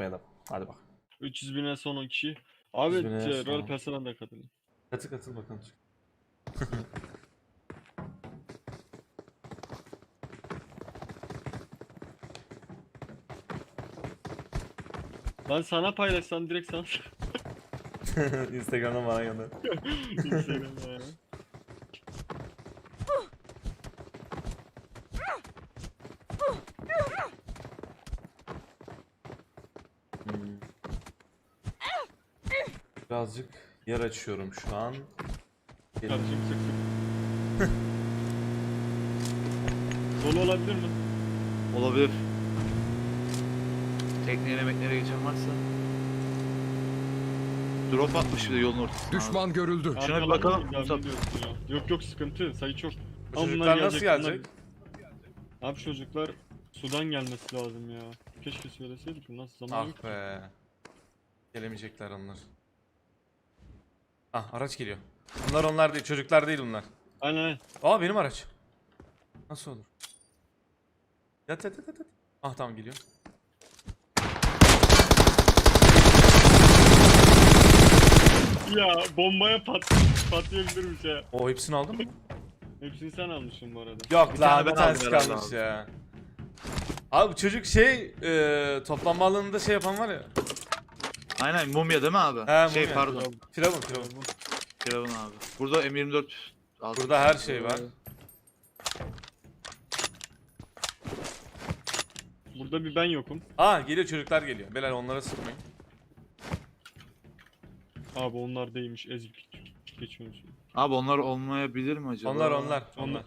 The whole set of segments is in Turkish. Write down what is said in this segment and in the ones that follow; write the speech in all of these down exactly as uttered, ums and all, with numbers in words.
unutmayalım. Hadi bak. üç yüz bine son on kişi. Abi üç yüz bine e, son. rol personel de katılın. Katıl katıl bakalım. Ben sana paylaşsam direkt sana Instagram'dan bana gönder. Instagram'da ya. Hmm. Birazcık yer açıyorum şu an. Kardeşim sık sık. Dolu olabilir mi? Olabilir. Tekneye yemeklere geçen varsa. Drop atmış bir de yolun ortasına. Düşman görüldü. Şuna bir Arkadan bakalım, mı Musab. diyorsun ya? Yok yok sıkıntı sayı çok. Bu Ama bunlar çocuklar nasıl gelecek, gelecek? Bunlar... Abi çocuklar sudan gelmesi lazım ya. Keşke söyleseydik nasıl zaman yok. Ah be. Gelemeyecekler onlar. Ah araç geliyor. Bunlar onlar değil, çocuklar değil bunlar. Aynen aynen. Aa benim araç. Nasıl olur? Yat yat yat yat. Ah tamam geliyor. Ya bombaya pat patlayabilirmiş ya. O hepsini aldın mı? Hepsini sen almışsın bu arada. Yok Bir lan tane bir ben tanesi aldım herhalde kalmış abi. ya. Abi bu çocuk şey e, toplanma alanında şey yapan var ya. Aynen mumya değil mi abi? He, şey mumya. pardon. Firavun firavun. Firavun abi. Burada M yirmi dört aldım. Burada her şey var. Burada bir ben yokum. Aa geliyor çocuklar geliyor. Beyler onlara sıkmayın. Abi onlar değilmiş ezik. Geçiyormuş. Abi onlar olmayabilir mi acaba? Onlar onlar Onlar- onlar.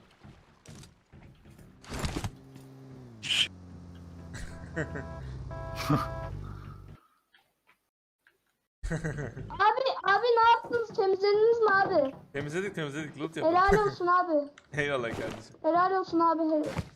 Abi abi ne yaptınız? Temizlediniz mi abi? Temizledik temizledik loot yapalım. Helal olsun abi. Eyvallah kardeşim. Helal olsun abi. Hel-